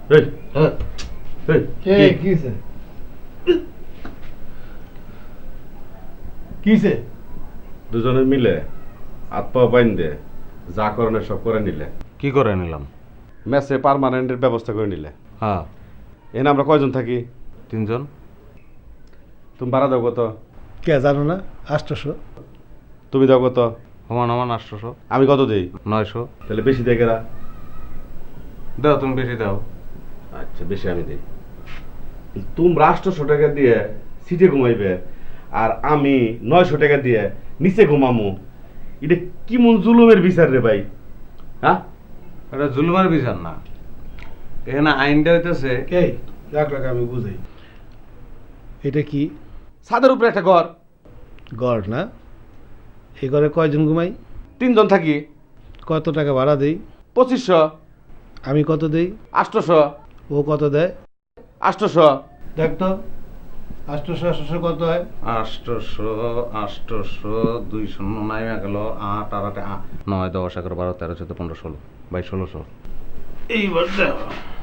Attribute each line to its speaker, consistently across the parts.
Speaker 1: এই এই
Speaker 2: কিছে কিছে
Speaker 1: দুজনে মিলে হাত পা বাইন দে যা করণে সব করে নিলে
Speaker 3: কি করে নিলাম?
Speaker 1: মেসে পার্মানেন্টের ব্যবস্থা করে নিলে।
Speaker 3: হ্যাঁ,
Speaker 1: এখানে আমরা কয়জন থাকি?
Speaker 3: 3 জন।
Speaker 1: তুমি ভাড়া দাও কত?
Speaker 2: কে জানো না? 800।
Speaker 1: তুমি দাও কত?
Speaker 3: সমান 800।
Speaker 1: আমি কত দেই?
Speaker 3: 900।
Speaker 1: তাহলে বেশি দেয় কেরা?
Speaker 3: দাও, তুমি বেশি দাও।
Speaker 1: আচ্ছা, বেশি আমি দেই। তোমরা 800 টাকা দিয়ে সিটে ঘুমাইবে আর আমি 900 টাকা দিয়ে নিচে ঘুমামু। এটা কি মন জুলুমের বিচার রে ভাই? হ্যাঁ,
Speaker 3: এটা জুলুমের বিচার না, এখানে আইনটা হইতেছে
Speaker 2: কে রাখ আমি বুঝাই। এটা কি
Speaker 1: ছাদের উপরে একটা ঘর,
Speaker 2: গড় না? এই ঘরে কয়জন ঘুমাই?
Speaker 1: 3 জন থাকি।
Speaker 2: কত টাকা ভাড়া দেই?
Speaker 1: 2500।
Speaker 2: আমি কত দেই?
Speaker 1: 800।
Speaker 2: ও কত দেয়?
Speaker 1: 800।
Speaker 2: দেখ তো 800 কত হয়?
Speaker 3: 800 200 নাইমা গেল 8 আর 8 9 10 11 12 13 14 15 16 22 1600।
Speaker 2: এইবার দেখো,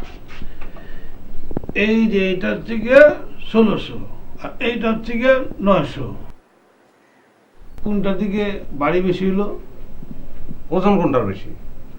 Speaker 2: এই যে এইটার থেকে 1600 আর এইটার থেকে 900, কোনটার দিকে বাড়ি বেশি হলো?
Speaker 3: ওজন কোনটার বেশি?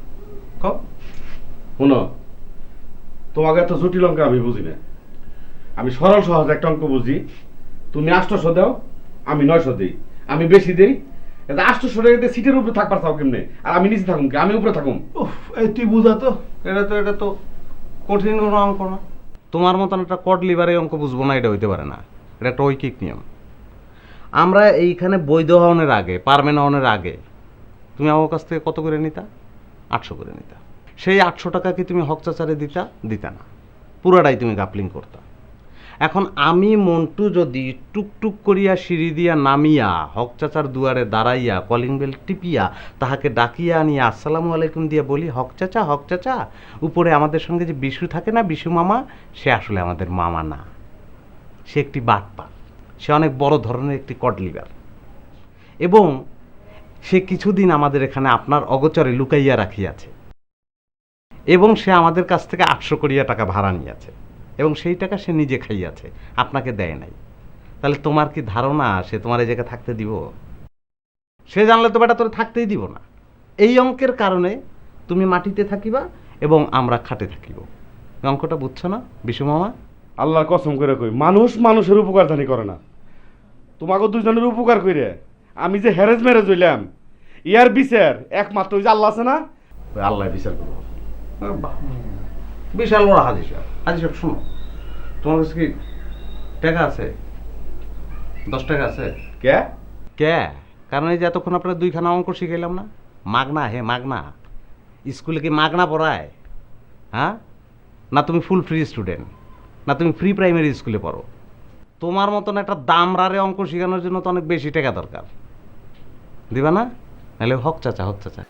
Speaker 1: শুনো, তোমাকে এত জটিল অঙ্ক আমি বুঝি না। আমি সরল সহজ একটা অঙ্ক বুঝি। তুমি 800 দাও, আমি 900 দিই। আমি বেশি দিই। 800 টাকা দিয়ে সিটের উপরে থাকবার চাও কেমনে? আর আমি নিচে থাকুম কি? আমি উপরে থাকুম?
Speaker 2: উফ, এই তুই বুঝা তো।
Speaker 3: এটা তো কঠিন কোনো অঙ্ক না। তোমার মতন একটা কড লিভারে অঙ্ক বুঝবো না, এটা হইতে পারে না। এটা একটা ঐকিক নিয়ম। আমরা এইখানে বৈধ হওয়ার আগে, পারমেন্ট হওয়ার আগে তুমি আমার কাছ থেকে কত করে নিতা? 800 করে নিতা। সেই 800 টাকা কি তুমি হক চাচারে দিতা না, পুরাটাই তুমি গাপলিং করতা। এখন আমি মন্টু যদি টুকটুক করিয়া সিঁড়ি দিয়া নামিয়া হক চাচার দুয়ারে দাঁড়াইয়া কলিং বেল টিপিয়া তাহাকে ডাকিয়া আনিয়া আসসালামু আলাইকুম দিয়া বলি, হক চাচা, উপরে আমাদের সঙ্গে যে বিশু থাকে না, বিশু মামা, সে আসলে আমাদের মামা না, সে একটি বাটপার, সে অনেক বড় ধরনের একটি কডলিভার, এবং সে কিছুদিন আমাদের এখানে আপনার অগোচরে লুকাইয়া রাখিয়াছে, এবং সে আমাদের কাছ থেকে 800 করিয়া টাকা ভাড়া নিয়েছে, এবং সেই টাকা সে নিজে খাইয়াছে, আপনাকে দেয় নাই। তাহলে তোমার কি ধারণা সে তোমার এই জায়গায় থাকতে দিব? সে জানলে তো বেটা তোরে থাকতেই দিব না। এই অঙ্কের কারণে তুমি মাটিতে থাকিবা এবং আমরা খাটে থাকিব। অঙ্কটা বুঝছো না বিশু মামা?
Speaker 1: আল্লাহর কসম করে কই, মানুষ মানুষের উপকার জানি করে না। তোমাকে দুজনের উপকার কইরে আমি যে হ্যারেজ ম্যারেজ হইলাম, ইয়ার বিচার একমাত্র ওই যে আল্লাহ আছে না, ওই আল্লাহ বিচার করবো।
Speaker 3: বিশাল বড় হাজি সাহেব, শোনো, তোমার কাছে কি টাকা আছে? 10 টাকা আছে?
Speaker 1: কে?
Speaker 3: কারণ এই যে এতক্ষণ আপনার 2খানা অঙ্ক শিখাইলাম না, মাগনা, মাগনা। স্কুলে কি মাগনা পড়ায়? হ্যাঁ, না তুমি ফুল ফ্রি স্টুডেন্ট, না তুমি ফ্রি প্রাইমারি স্কুলে পড়ো? তোমার মতন একটা দামরারে অঙ্ক শেখানোর জন্য তো অনেক বেশি টাকা দরকার। দিবা না? নাহলে হক চাচা।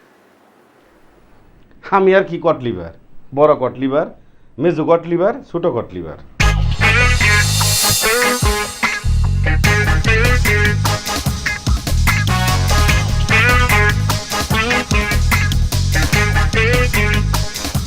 Speaker 1: আমি আর কি কটলিভার? বড় কটলিভার, মেজু কটলিভার, ছোট কটলিভার।